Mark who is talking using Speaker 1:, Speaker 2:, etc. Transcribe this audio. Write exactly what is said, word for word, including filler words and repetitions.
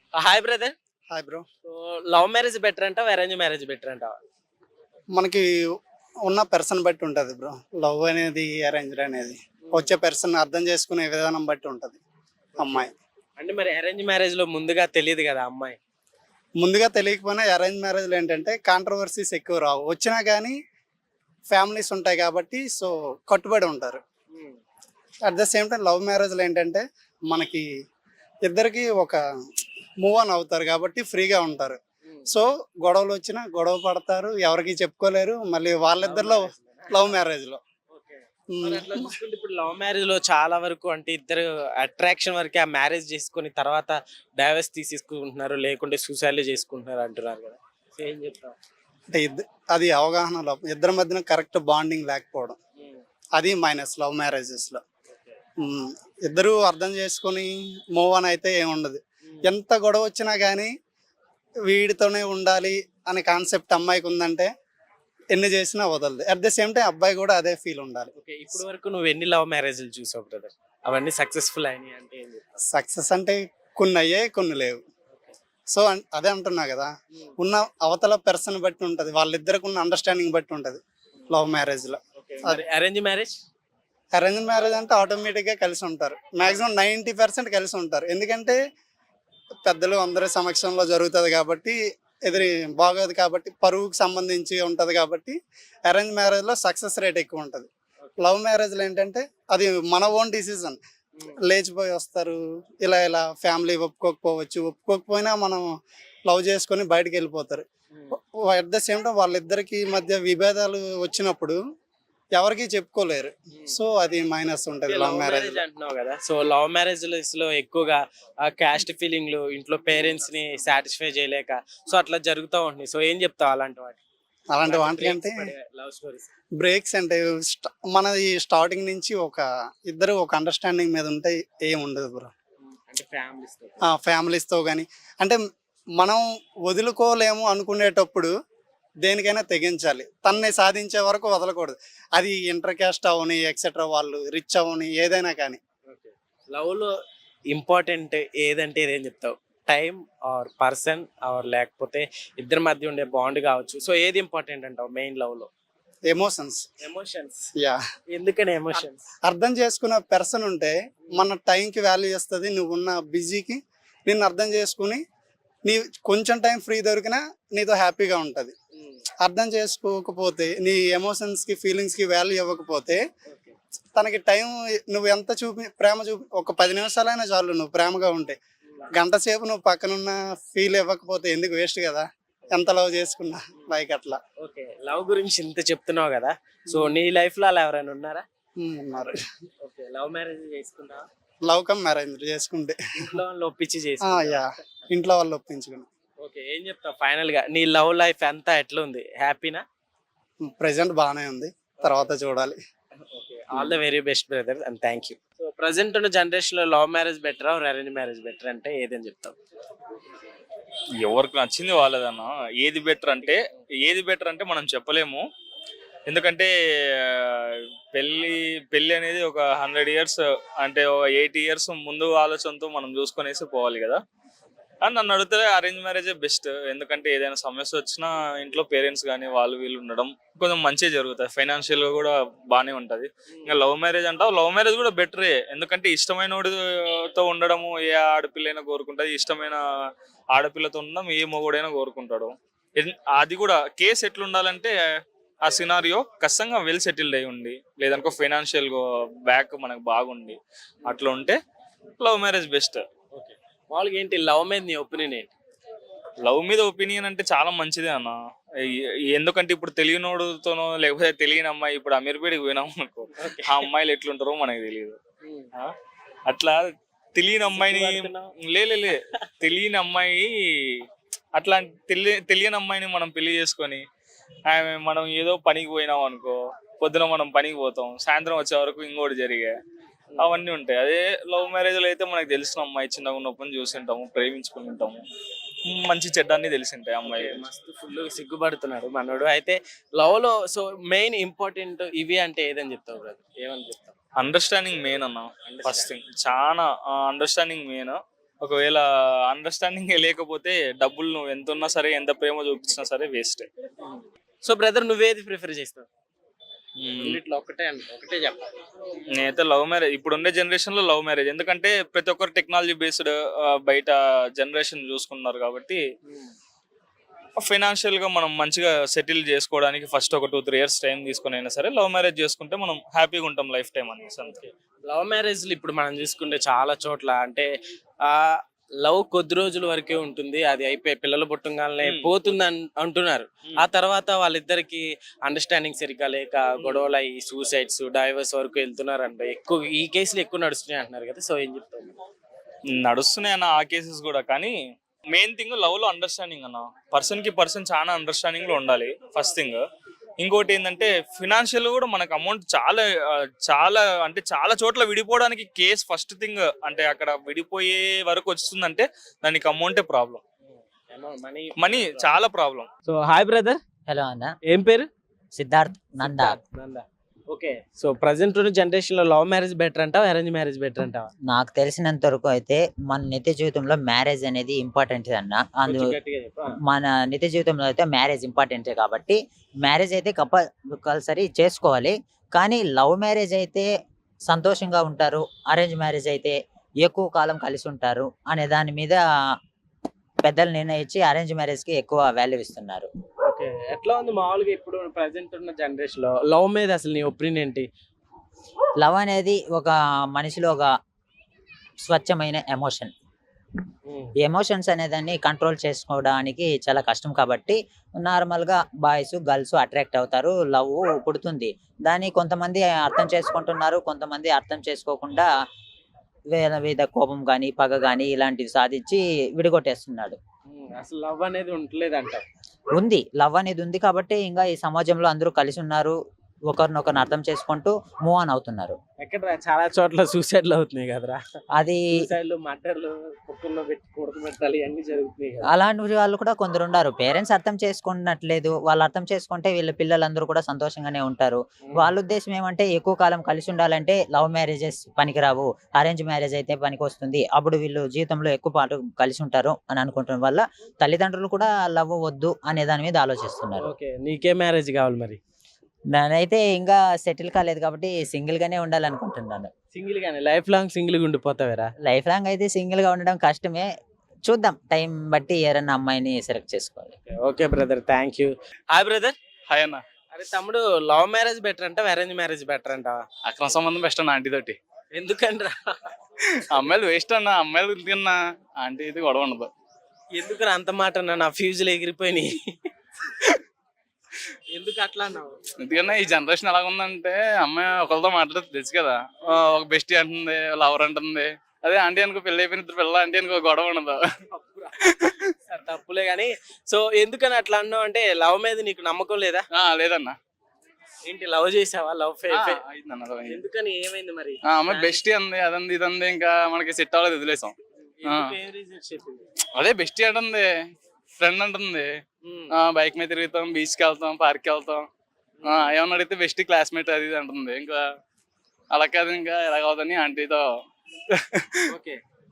Speaker 1: Hi brother.
Speaker 2: Hi bro.
Speaker 1: So love marriage better అంటావా? Arrange marriage better అంటావా?
Speaker 2: మనకి ఉన్న పర్సన్ బట్టి ఉంటుంది బ్రో. లవ్ అనేది అరేంజ్డ్ అనేది వచ్చే పర్సన్ అర్థం చేసుకునే విధానం బట్టి ఉంటుంది అమ్మాయి.
Speaker 1: అంటే మరి అరేంజ్ మ్యారేజ్ లో ముందుగా తెలియదు కదా అమ్మాయి.
Speaker 2: ముందుగా తెలియకపోయినా అరేంజ్ మ్యారేజ్లో ఏంటంటే కాంట్రవర్సీస్ ఎక్కువ రావు, వచ్చినా కానీ ఫ్యామిలీస్ ఉంటాయి కాబట్టి సో కట్టుబడి ఉంటారు. At the same time love మ్యారేజ్లో ఏంటంటే మనకి ఇద్దరికి ఒక మూవ్ ఆన్ అవుతారు కాబట్టి ఫ్రీగా ఉంటారు. సో గొడవలు వచ్చినా గొడవ పడతారు, ఎవరికి చెప్పుకోలేరు. మళ్ళీ వాళ్ళిద్దరిలో లవ్ మ్యారేజ్లో
Speaker 1: మరి అట్లా చూసుకుంటే ఇప్పుడు లవ్ మ్యారేజ్ లో చాలా వరకు అంటే ఇద్దరు అట్రాక్షన్ వరకే ఆ మ్యారేజ్ చేసుకుని తర్వాత డైవర్స్ తీసేసుకుంటున్నారు, లేకుంటే సూసైడ్ చేసుకుంటున్నారు అంటున్నారు కదా. సో ఏం చెప్తావు?
Speaker 2: అంటే ఇద్ద అది అవగాహన లోపం, ఇద్దరి మధ్యన కరెక్ట్ బాండింగ్ లేకపోవడం, అది మైనస్ లవ్ మ్యారేజెస్లో. ఇద్దరు అర్థం చేసుకొని మూవ్ ఆన్ అయితే ఏముండదు. ఎంత గొడవ వచ్చినా కానీ వీడితోనే ఉండాలి అనే కాన్సెప్ట్ అమ్మాయికి ఉందంటే ఎన్ని చేసినా వదలదు. అట్ ద సేమ్ టైం అబ్బాయి కూడా అదే ఫీల్ ఉండాలి.
Speaker 1: ఓకే, ఇప్పుడు వరకు నువ్వు ఎన్ని లవ్ మ్యారేజ్లు చూసావు బ్రదర్? అవన్నీ సక్సెస్ఫుల్ అయినాయి అంటే ఏం చెప్తావు?
Speaker 2: సక్సెస్ అంటే కొన్ని అయ్యాయి, కొన్ని లేవు. సో అన్- అదే అంటున్నా కదా, ఉన్న అవతల పర్సన్ బట్టి ఉంటుంది, వాళ్ళిద్దరికి ఉన్న అండర్స్టాండింగ్ బట్టి ఉంటుంది లవ్ మ్యారేజ్లో.
Speaker 1: Arrange marriage?
Speaker 2: అరేంజ్ మ్యారేజ్ అంటే ఆటోమేటిక్గా కలిసి ఉంటారు, మ్యాక్సిమం నైంటీ పర్సెంట్ కలిసి ఉంటారు. ఎందుకంటే పెద్దలు అందరి సమక్షంలో జరుగుతుంది కాబట్టి, ఎదురు బాగోదు కాబట్టి, పరువుకి సంబంధించి ఉంటుంది కాబట్టి అరేంజ్ మ్యారేజ్లో సక్సెస్ రేట్ ఎక్కువ ఉంటుంది. లవ్ మ్యారేజ్లో ఏంటంటే అది మన ఓన్ డిసిజన్, లేచిపోయి వస్తారు, ఇలా ఇలా ఫ్యామిలీ ఒప్పుకోకపోవచ్చు, ఒప్పుకోకపోయినా మనం లవ్ చేసుకొని బయటకు వెళ్ళిపోతారు. అట్ ద సేమ్ టైం వాళ్ళిద్దరికి మధ్య విభేదాలు వచ్చినప్పుడు ఎవరికి చెప్పుకోలేరు. సో అది మైనస్ ఉంటుంది లవ్ మ్యారేజ్.
Speaker 1: అంటున్నావు కదా, సో లవ్ మ్యారేజ్ లో ఎక్కువగా ఆ క్యాస్ట్ ఫీలింగ్లు, ఇంట్లో పేరెంట్స్ ని సాటిస్ఫై చేయలేక సో అట్లా జరుగుతూ ఉంటుంది. సో ఏం చెప్తావు అలాంటి వాటి?
Speaker 2: అలాంటి వాటికంటే
Speaker 1: లవ్ స్టోరీస్
Speaker 2: బ్రేక్స్ అంటే స్ట- మనది స్టార్టింగ్ నుంచి ఒక ఇద్దరు ఒక అండర్స్టాండింగ్ మీద ఉంటే ఏం ఉండదు బ్రో.
Speaker 1: అంటే ఫ్యామిలీస్
Speaker 2: ఫ్యామిలీస్తో కానీ అంటే మనం వదులుకోలేము అనుకునేటప్పుడు దేనికైనా తెగించాలి, తన్ని సాధించే వరకు వదలకూడదు. అది ఇంటర్ క్యాస్ట్ అవని, ఎక్సెట్రా, వాళ్ళు రిచ్ అవని, ఏదైనా కానీ.
Speaker 1: లవ్ లో ఇంపార్టెంట్ ఏదంటే ఏదేం చెప్తావు? టైం ఆర్ పర్సన్ ఆర్ లేకపోతే ఇద్దరి మధ్య ఉండే బాండ్ కావచ్చు. సో ఏది ఇంపార్టెంట్ అంటావు మెయిన్ లవ్ లో?
Speaker 2: ఎమోషన్స్.
Speaker 1: ఎమోషన్స్.
Speaker 2: యా,
Speaker 1: ఎందుకని ఎమోషన్స్?
Speaker 2: అర్థం చేసుకున్న పర్సన్ ఉంటే మన టైంకి వాల్యూ చేస్తుంది. నువ్వు ఉన్న బిజీకి నిన్ను అర్థం చేసుకుని నీ కొంచెం టైం ఫ్రీ దొరికినా నీతో హ్యాపీగా ఉంటుంది. అర్థం చేసుకోకపోతే, నీ ఎమోషన్స్కి ఫీలింగ్స్కి వాల్యూ ఇవ్వకపోతే, తనకి టైం నువ్వు ఎంత చూపి ప్రేమ చూపి ఒక పది నిమిషాలైనా చాలు, నువ్వు ప్రేమగా ఉంటే. గంట సేపు నువ్వు పక్కనున్న ఫీల్ ఇవ్వకపోతే ఎందుకు, వేస్ట్ కదా, ఎంత లవ్ చేసుకున్నా. లైక్ అట్లా.
Speaker 1: ఓకే, లవ్ గురించి ఇంత చెప్తున్నావు కదా, సో నీ లైఫ్ లో అలా ఎవరైనా ఉన్నారా?
Speaker 2: ఉమ్, ఉన్నారు.
Speaker 1: ఓకే, లవ్ మ్యారేజ్ చేసుకున్నా?
Speaker 2: లవ్ కమ్ మ్యారేజ్ చేసుకుంటే
Speaker 1: ఇంట్లో వాళ్ళు ఒప్పించి
Speaker 2: ఆ,
Speaker 1: చేసి?
Speaker 2: యా, ఇంట్లో వాళ్ళు ఒప్పించుకుని.
Speaker 1: ఓకే, ఏం చెప్తావు ఫైనల్ గా? నీ లవ్ లైఫ్ అంతా ఎట్లా ఉంది? హ్యాపీనా?
Speaker 2: ప్రెసెంట్ బాగానే ఉంది, తర్వాత చూడాలి.
Speaker 1: Okay, all the very best brother and thank you. So present ఉన్న జనరేషన్ లో love marriage better or arrange marriage better అంటే ఏదని చెప్తావు?
Speaker 3: ఎవరికి నచ్చింది వాళ్ళదన్న. ఏది బెటర్ అంటే ఏది బెటర్ అంటే మనం చెప్పలేము. ఎందుకంటే ఆ, పెళ్ళి పెళ్ళి అనేది ఒక హండ్రెడ్ ఇయర్స్ అంటే ఒక ఎయిటీ ఇయర్స్ ముందు ఆలోచనతో మనం చూసుకొనేసి పోవాలి కదా. అని నన్ను అడిగితే అరేంజ్ మ్యారేజే బెస్ట్. ఎందుకంటే ఏదైనా సమస్య వచ్చినా ఇంట్లో పేరెంట్స్ కానీ వాళ్ళు వీళ్ళు ఉండడం కొంచెం మంచిగా జరుగుతుంది, ఫైనాన్షియల్గా కూడా బాగానే ఉంటుంది. ఇంకా లవ్ మ్యారేజ్ అంటావు, లవ్ మ్యారేజ్ కూడా బెటరే. ఎందుకంటే ఇష్టమైన వాడితో ఉండడము ఏ ఆడపిల్లైనా కోరుకుంటుంది, ఇష్టమైన ఆడపిల్లతో ఉండడం ఏ మొగుడైనా కోరుకుంటాడు. ఎన్- అది కూడా కేసు ఎట్లుండాలంటే ఆ సినారియో ఖచ్చితంగా వెల్ సెటిల్డ్ అయి ఉండి, లేదనుకో ఫైనాన్షియల్ బ్యాక్ మనకు బాగుండి అట్లా ఉంటే లవ్ మ్యారేజ్ బెస్ట్.
Speaker 1: ఓకే, మామూలుగా ఏంటి లవ్ మీద నీ ఒపీనియన్ ఏంటి?
Speaker 3: లవ్ మీద ఒపీనియన్ అంటే చాలా మంచిదే అన్న. ఎ- ఎందుకంటే ఇప్పుడు తెలియనోడుతోనో లేకపోతే తెలియని అమ్మాయి, ఇప్పుడు అమీర్పేటకి పోయినాం అనుకో, ఆ అమ్మాయిలు ఎట్లుంటారో మనకు తెలియదు. ఆ? అట్లా తెలియని అమ్మాయిని లే లే లే, తెలియని అమ్మాయి అట్లా తెలియ తెలియని అమ్మాయిని మనం పెళ్లి చేసుకొని ఆమె మనం ఏదో పనికి పోయినాం అనుకో, పొద్దున మనం పనికి పోతాం, సాయంత్రం వచ్చే వరకు ఇంకోటి జరిగే అవన్నీ ఉంటాయి. అదే లవ్ మ్యారేజ్లో అయితే మనకు తెలిసిన అమ్మాయి చిన్నగా ఉన్నప్పుడు చూసింటాము, ప్రేమించుకుని ఉంటాము, మంచి చెడ్డాన్ని తెలిసింటాయి అమ్మాయి.
Speaker 1: మస్తు ఫుల్ సిగ్గుపడుతున్నాడు మనోడు. అయితే లవ్ లో సో మెయిన్ ఇంపార్టెంట్ ఇవి అంటే ఏదని చెప్తావు బ్రదర్? ఏమని చెప్తావు?
Speaker 3: అండర్స్టాండింగ్ మెయిన్ అన్న. ఫస్ట్ థింగ్ చాలా అండర్స్టాండింగ్ మెయిన్. ఒకవేళ అండర్స్టాండింగ్ లేకపోతే డబ్బులు నువ్వు ఎంత ఉన్నా సరే, ఎంత ప్రేమ చూపించినా సరే వేస్ట్.
Speaker 1: సో బ్రదర్ నువ్వేది ప్రిఫర్ చేస్తావు? రెండిట్లో ఒకటే అంట, ఒకటే చెప్పాలి.
Speaker 3: నేనైతే లవ్ మ్యారేజ్, ఇప్పుడు ఉండే జనరేషన్ లో లవ్ మ్యారేజ్. ఎందుకంటే ప్రతి ఒక్కరు టెక్నాలజీ బేస్డ్ బయట జనరేషన్ చూసుకున్నారు కాబట్టి ఫైనాన్షియల్ గా మనం మంచిగా సెటిల్ చేసుకోవడానికి ఫస్ట్ ఒక టూ త్రీ ఇయర్స్ టైం తీసుకుని అయినా సరే లవ్ మ్యారేజ్ చేసుకుంటే మనం హ్యాపీగా ఉంటాం లైఫ్ టైం అనేసి. అంతే.
Speaker 1: లవ్ మ్యారేజ్లు ఇప్పుడు మనం చూసుకుంటే చాలా చోట్ల అంటే ఆ లవ్ కొద్ది రోజుల వరకే ఉంటుంది, అది అయిపోయి పిల్లలు పుట్టంగానే
Speaker 3: Hmm.
Speaker 1: పోతుంది అన్- అంటున్నారు.
Speaker 3: Hmm.
Speaker 1: ఆ తర్వాత వాళ్ళిద్దరికి అండర్స్టాండింగ్ సరిగ్గా లేక గొడవలు అయ్యి సూసైడ్స్ డైవర్స్ వరకు వెళ్తున్నారు అంట. ఎక్కువ ఈ కేసులు ఎక్కువ నడుస్తున్నాయి అంటున్నారు కదా, సో ఏం చెప్తారు?
Speaker 3: నడుస్తున్నాయి అన్న ఆ కేసెస్ కూడా. కానీ మెయిన్ థింగ్ లవ్ లో అండర్స్టాండింగ్ అన్న. పర్సన్ కి పర్సన్ చాలా అండర్స్టాండింగ్ లో ఉండాలి ఫస్ట్ థింగ్. ఇంకోటి ఏంటంటే ఫినాన్షియల్ కూడా మనకు అమౌంట్ చాలా ఆ, చాలా అంటే చాలా చోట్ల విడిపోవడానికి కేస్ ఫస్ట్ థింగ్. అంటే అక్కడ విడిపోయే వరకు వస్తుందంటే దానికి అమౌంటే ప్రాబ్లం,
Speaker 1: మనీ
Speaker 3: మనీ చాలా problem.
Speaker 1: So hi brother,
Speaker 4: hello అన్న,
Speaker 1: ఏం పేరు?
Speaker 4: Siddharth Nanda.
Speaker 1: Nanda. Okay, so present ఉన్న జనరేషన్ లో లవ్ మ్యారేజ్ బెటర్ అంటావా, అరేంజ్ మ్యారేజ్ బెటర్ అంటావా?
Speaker 4: నాకు తెలిసినంత వరకు అయితే మన నిత్య జీవితంలో మ్యారేజ్ అనేది ఇంపార్టెంట్ అన్న. అందు
Speaker 1: కొంచెం గట్టిగా చెప్పు. ఆ.
Speaker 4: మన నిత్య జీవితంలో అయితే మ్యారేజ్ ఇంపార్టెంటే కాబట్టి మ్యారేజ్ అయితే కంపల్సరీ చేసుకోవాలి. కానీ లవ్ మ్యారేజ్ అయితే సంతోషంగా ఉంటారు, అరేంజ్ మ్యారేజ్ అయితే ఎక్కువ కాలం కలిసి ఉంటారు అనే దాని మీద పెద్దలు నిర్ణయించి అరేంజ్ మ్యారేజ్ కి ఎక్కువ వాల్యూ ఇస్తున్నారు.
Speaker 1: ఓకే, ఎట్లా ఉంది మామూలుగా ఇప్పుడు ప్రజెంట్ ఉన్న జనరేషన్ లో లవ్ మీద అసలు నీ ఒపీనియన్ ఏంటి?
Speaker 4: లవ్ అనేది ఒక మనిషిలో ఒక స్వచ్ఛమైన ఎమోషన్. ఎమోషన్స్ అనేదాన్ని కంట్రోల్ చేసుకోవడానికి చాలా కష్టం కాబట్టి నార్మల్గా బాయ్స్ గర్ల్స్ అట్రాక్ట్ అవుతారు, లవ్ పుడుతుంది. దాన్ని కొంతమంది అర్థం చేసుకుంటున్నారు, కొంతమంది అర్థం చేసుకోకుండా వేల మీద కోపం కానీ పగ కానీ ఇలాంటివి సాధించి విడగొట్టేస్తున్నాడు.
Speaker 1: ఉమ్, అసలు లవ్ అనేది ఉండలేదు అంట.
Speaker 4: ఉంది, లవ్ అనేది ఉంది కాబట్టి ఇంకా ఈ సమాజంలో అందరూ కలిసి ఉన్నారు, ఒకరినొకరిని అర్థం చేసుకుంటూ మూవ్ ఆన్ అవుతున్నారు.
Speaker 1: ఎక్కడ చాలా చోట్ల సూసైడ్లు అవుతున్నాయి కదరా,
Speaker 4: అది
Speaker 1: సూసైడ్లు మర్డర్లు కుక్కల్లో పెట్టి కొడుకుబెట్టాలి అన్ని జరుగుతున్నాయి కదా.
Speaker 4: అలాంటి వాళ్ళు కూడా కొందరు ఉన్నారు. పేరెంట్స్ అర్థం చేసుకున్నట్లేదు, వాళ్ళు అర్థం చేసుకుంటే వీళ్ళ పిల్లలందరూ కూడా సంతోషంగానే ఉంటారు. వాళ్ళ ఉద్దేశం ఏమంటే ఎక్కువ కాలం కలిసి ఉండాలంటే లవ్ మ్యారేజెస్ పనికిరావు, అరేంజ్ మ్యారేజ్ అయితే పనికి వస్తుంది, అప్పుడు వీళ్ళు జీవితంలో ఎక్కువ పాటు కలిసి ఉంటారు అని అనుకుంటున్న వల్ల తల్లిదండ్రులు కూడా లవ్ వద్దు అనే దాని మీద ఆలోచిస్తున్నారు.
Speaker 1: ఓకే, నీకే మ్యారేజ్ కావాలి మరి?
Speaker 4: నేనైతే ఇంకా సెటిల్ కాలేదు కాబట్టి సింగిల్ గానే ఉండాలనుకుంటున్నాను.
Speaker 1: సింగిల్ గానే లైఫ్ లాంగ్ సింగిల్ గా ఉండిపోతావేరా?
Speaker 4: లైఫ్ లాంగ్ అయితే సింగిల్ గా ఉండడం కష్టమే, చూద్దాం టైం బట్టి ఎవరైనా అమ్మాయిని సెలెక్ట్ చేసుకోవాలి.
Speaker 1: Okay brother, thank you. Hi brother.
Speaker 3: Hi అన్న.
Speaker 1: అరే తమ్ముడు, లవ్ మ్యారేజ్ బెటర్ అంటావా, అరేంజ్ మ్యారేజ్ బెటర్ అంటావా?
Speaker 3: అక్రమ సంబంధం బెస్ట్ అన్న. ఆంటీ తోటి
Speaker 1: ఎందుకంటారా?
Speaker 3: అమ్మాయిలు వేస్ట్ అన్న. అమ్మాయిలు తిన్నా ఆంటీ ఇది గొడవ ఉండదు.
Speaker 1: ఎందుకు అంత మాట అన్నా? నా ఫ్యూజులు ఎగిరిపోయినాయి. ఎందుకు అట్లా అన్నావు?
Speaker 3: ఎందుకన్నా ఈ జనరేషన్ ఎలా ఉందంటే అమ్మాయి ఒకరితో మాట్లాడితే తెలుసు కదా, ఆ, ఒక బెస్టీ అంటుంది, లవర్ అంటుంది. అదే ఆంటీ అనుకో పెళ్లి అయిపోయిన ఇద్దరు పిల్ల ఆంటీ అనుకో గొడవ ఉండదు.
Speaker 1: సరే, తప్పులే కానీ సో ఎందుకని అట్లా అన్నావు అంటే లవ్ మీద నీకు నమ్మకం లేదా?
Speaker 3: ఆ, లేదన్నా.
Speaker 1: ఏంటి లవ్ చేసావా? లవ్
Speaker 3: ఆ, అయిందన్న, అది అయింది.
Speaker 1: ఎందుకని, ఏమైంది మరి?
Speaker 3: ఆ, అమ్మాయి బెస్టీ అంది, అదంది ఇదంది, ఇంకా మనకి సెట్ అవ్వలేదు, వదిలేసాం.
Speaker 1: ఎందుకు, ఏం reasons చెప్పింది?
Speaker 3: అదే బెస్టీ అంటుంది, ఫ్రెండ్ అంటుంది.
Speaker 1: ఉమ్,
Speaker 3: బైక్ మీద తిరుగుతాం, బీచ్ కి వెళ్తాం, పార్క్ కి వెళ్తాం. ఆ, ఏమన్నా అడిగితే బెస్ట్ క్లాస్మేట్ అది ఇది అంటుంది. ఇంకా అలా కాదు, ఇంకా ఎలాగవుతుంది ఆంటీతో.
Speaker 1: ఓకే,